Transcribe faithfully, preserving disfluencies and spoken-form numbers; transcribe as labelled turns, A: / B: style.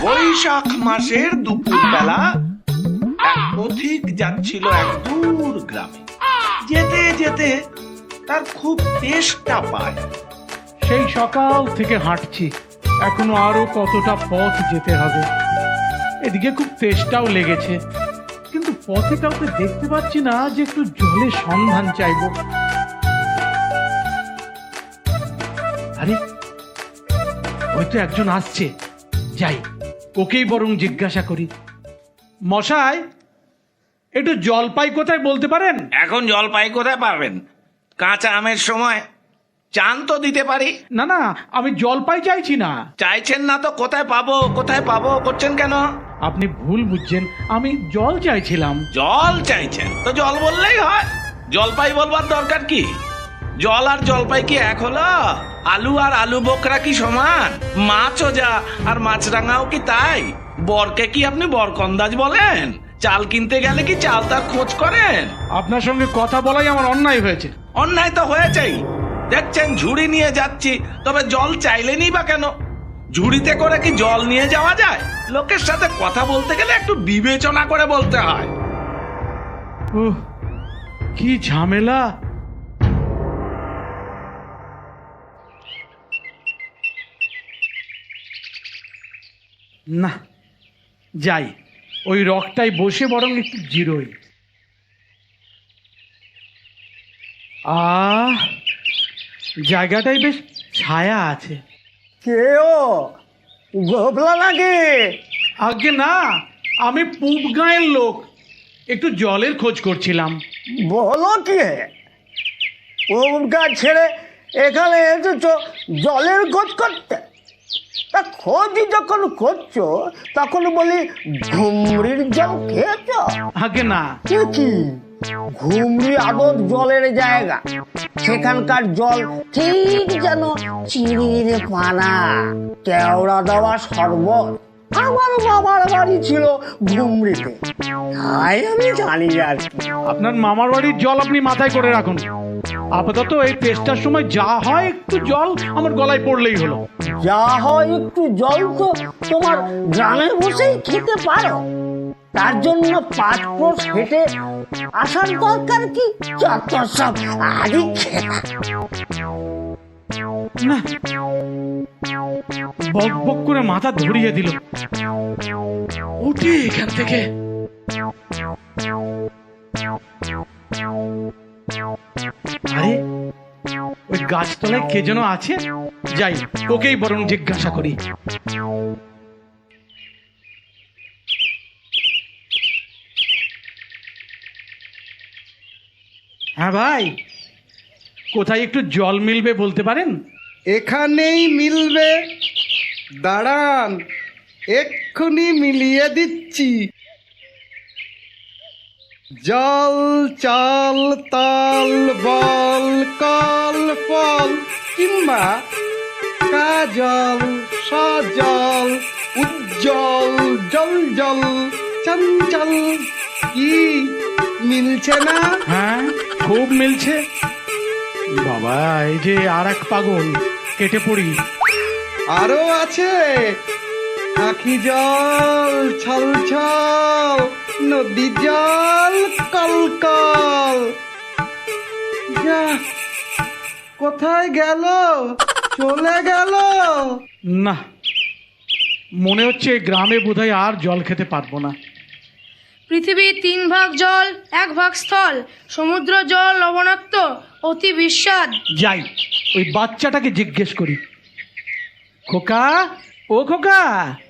A: বৈশাখ মাসের দুপুর বেলা এক পথিক যাচ্ছিল এক দূর গ্রামে। যেতে যেতে তার খুব তেষ্টা পায়।
B: সেই সকাল থেকে হাঁটছি, এখনো আরো কতটা পথ যেতে হবে। এদিকে খুব তেষ্টাও লেগেছে, কিন্তু পথে কাউকে দেখতে পাচ্ছি না যে একটু জলের সন্ধান চাইবো। আরে হয়তো একজন আসছে, যাই ওকেই বরং জিজ্ঞাসা করি। মশাই, একটু জলপাই কোথায় বলতে পারেন?
A: এখন জলপাই কোথায় পাবেন? কাঁচা আমের সময় চান তো দিতে পারি।
B: না না, আমি জলপাই চাইছি না।
A: চাইছেন না তো কোথায় পাবো কোথায় পাবো করছেন কেন?
B: আপনি ভুল বুঝছেন, আমি জল চাইছিলাম।
A: জল চাইছেন তো জল বললেই হয়, জলপাই বলবার দরকার কি? জল আর জলপাই কি এক হলো? আলু আর আলু বোকরা কি সমান? মাছও যা আর মাছরাঙাও কি তাই? বরকে কি আপনি বরকন্দাজ বলেন? চাল কিনতে গেলে কি চাল তার খোঁজ করেন?
B: আপনার সঙ্গে কথা বলাই আমার অন্যায় হয়েছে।
A: অন্যায় তো হয়েছেই। দেখছেন ঝুড়ি নিয়ে যাচ্ছি, তবে জল চাইলেনই বা কেন? ঝুড়িতে করে কি জল নিয়ে যাওয়া যায়? লোকের সাথে কথা বলতে গেলে একটু বিবেচনা করে বলতে হয়।
B: ওহ, কি ঝামেলা। না, যাই ওই রকটাই বসে বরং একটু জিরোই। আহ, জায়গাটাই বেশ ছায়া আছে।
C: কে ও গোবলা নাকি?
B: আগে না, আমি পূব গাঁয়ের লোক, একটু জলের খোঁজ করছিলাম।
C: বলো কি, ওমকার ছেড়ে এখানে এসেছো জলের খোঁজ করতে? তা খোঁজ যখন করছো তখন বলি ঘুমরির জল খেয়েছ?
B: আগে না।
C: কি কি ঘুমরি আদর জলের জায়গা, সেখানকার জল ঠিক যেন চিনির পানা, কেওড়া দেওয়া শরবত। আমার বাবার বাড়ি ছিল ঘুমরিতে, তাই আমি জানি আর কি।
B: আপনার মামার বাড়ির জল আপনি মাথায় করে রাখুন। আপাতত এই টেস্টার সময় যা হয় একটু জল আমার গলায় পড়লেই হলো।
C: যা হয় একটু জল তো তোমার গ্রামে বসেই খেতে পারো, তার জন্য পাঁচ ক্রোশ হেঁটে আসার দরকার কি? যত সব আগে খেলা।
B: না, বক বক করে মাথা ধরিয়ে দিল। উঠি এখান থেকে। আরে ওই গাছতলায় কে যেন আছে, যাই ওকেই বরং জিজ্ঞাসা করি। হ্যাঁ ভাই, কোথায় একটু জল মিলবে বলতে পারেন?
D: এখানেই মিলবে, দাঁড়ান এক্ষুনি মিলিয়ে দিচ্ছি। জল চাল তাল বল কল ফল কিংবা কাজল সজল উজ্জ্বল জল জল চঞ্চল, কি মিলছে না?
B: হ্যাঁ, খুব মিলছে। বাবা, এই যে আর এক পাগল, কেটে পড়ি।
D: আরো আছে আখি জল ছল ছল, নদী জল কল কল। যা, কোথায় গেল? চলে গেল।
B: না, মনে হচ্ছে এই গ্রামে বোধহয় আর জল খেতে পারবো না।
E: পৃথিবীর তিন ভাগ জল, এক ভাগ স্থল। সমুদ্র জল লবণাক্ত, অতি বিস্বাদ।
B: যাই ওই বাচ্চাটাকে জিজ্ঞেস করি। খোকা, ও খোকা,